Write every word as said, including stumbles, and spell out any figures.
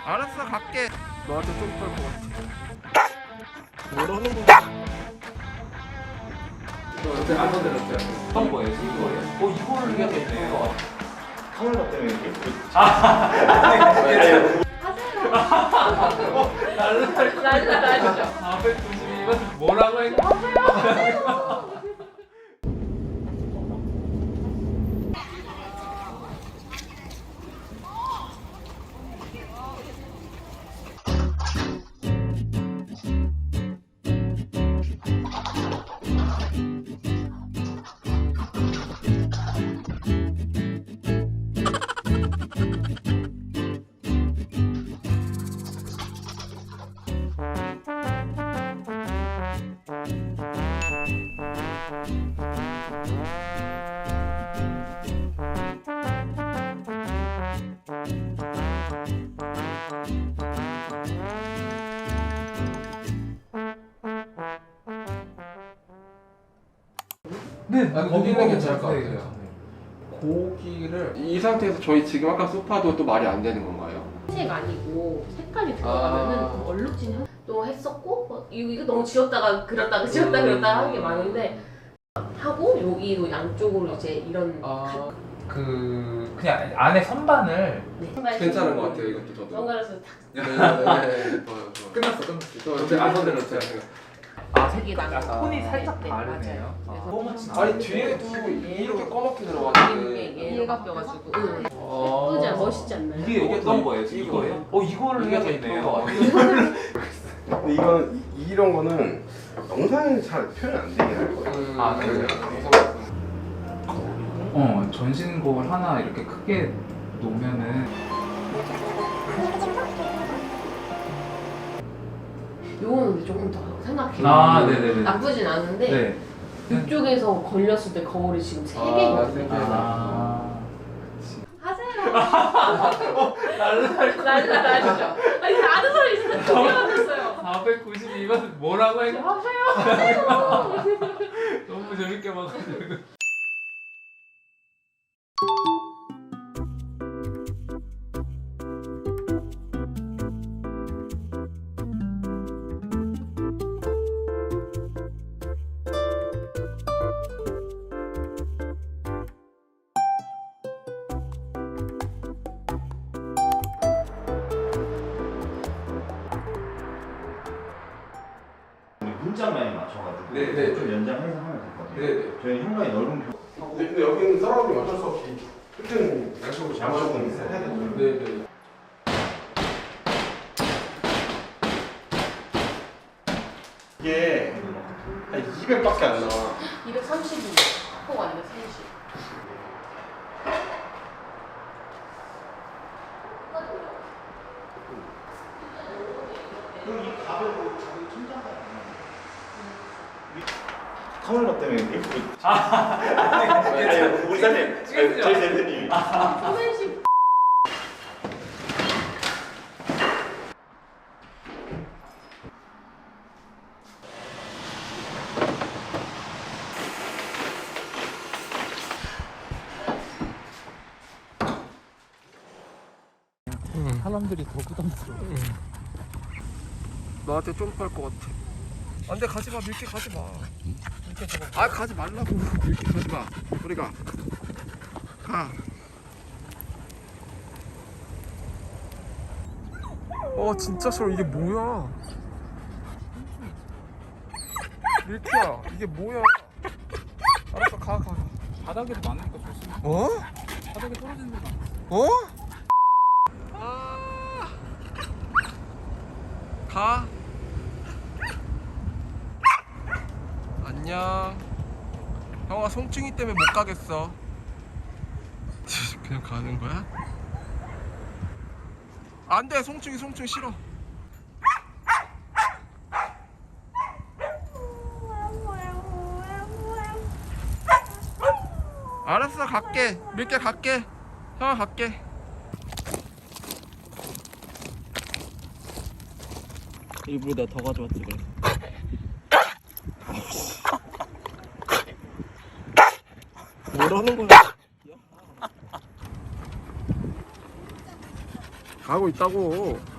알았어, 갈게. 너한테 좀 털 것 같아. 뭐라는 거야? 너 어때? 안 건드렸어요? 어떤 거예요? 이거예요? 어, 이거를 해야 되네. 카메라 때문에 이렇게. 아, 하세요. 날라, 날라 날죠. 사백구십이 번 뭐라고 해? 네, 아, 고기는 괜찮을 것 같아요. 고기를 이 상태에서 저희 지금 아까 소파도 또 말이 안 되는 건가요? 색 아니고 색깔이 들어가면은 아. 얼룩진 또 했었고 뭐 이거, 이거 너무 지웠다가 그렸다가 지웠다가 그렸다가 하는 게 많은데 하고 여기도 양쪽으로 이제 이런 아, 그 그냥 안에 선반을 네. 괜찮은 것 같아요. 이것도 저도. 선글라스 탁 네, 네, 네. 좋아요, 좋아요. 끝났어, 끝났어. 저 근데 안 건드렸어요. 아, 색이 나는 아, 거. 톤이 살짝 네, 다르네요. 맞아요. 아, 그래서 아니 뒤에도 이렇게 꺼멓게 이게 들어갔는데. 얘가 껴가지고 응. 어. 예쁘지 않아? 멋있지 않나요? 이게 이게 어떤 더 거예요? 이거예요? 이거예요? 어, 이거를 이게 해야 더 이쁜 것 되네요. 같아요. 근데 이건 이- 이런 거는 영상에 잘 표현 안 되게 할 거예요. 음, 아, 그래요? 어, 전신곡을 하나 이렇게 크게 놓으면은 요거는 근데 조금 더 생각해. 아, 네네네. 나쁘진 않은데 네. 이쪽에서 걸렸을 때 거울이 지금 세 아, 개거든요. 세 개. 아. 하세요. 날라. 날라 날죠. 아니 아는 소리 진짜 두개 맞았어요. 사백구십이 번 뭐라고 해? 하세요. 너무 재밌게 봐가지고. 우리 문짝만에 맞춰가지고 네, 네. 좀 연장해서 하면 될 것 같아요. 네, 네. 저희는 현관이 넓은 표. 근데, 근데 여기는 사람이 어쩔 수 없이 끝은 양쪽으로 양쪽은 있어야 되죠. 네, 네. 이게 한 이백밖에 안 나와. 이백삼십이. 코가 이백삼십. 그럼 이 가벽으로 가벽 천장가 카메라 때문에 이렇게. 아니, 우리 사장님, 찍으시죠. 저희 대표님이. 소매식. 사람들이 더 부담스러워. 너한테 좀 펄 것 같아. 안돼, 가지 마. 밀게 가지 마. 밀게 아, 가지 말라고. 밀게 가지 마. 우리가 가. 어, 진짜 싫어. 이게 뭐야? 밀키야, 이게 뭐야? 알았어, 가, 가. 바닥에도 많으니까 조심. 어? 바닥에 떨어지는 게 많아. 어? 아. 가. 안녕. 형아, 송충이 때문에 못 가겠어. 그냥 가는 거야? 안 돼, 송충이, 송충이 싫어. 알았어, 갈게. 밀게 갈게. 형아, 갈게. 일부러 내가 더 가져왔지 그래. 뭐라는 거야? 가고 있다고.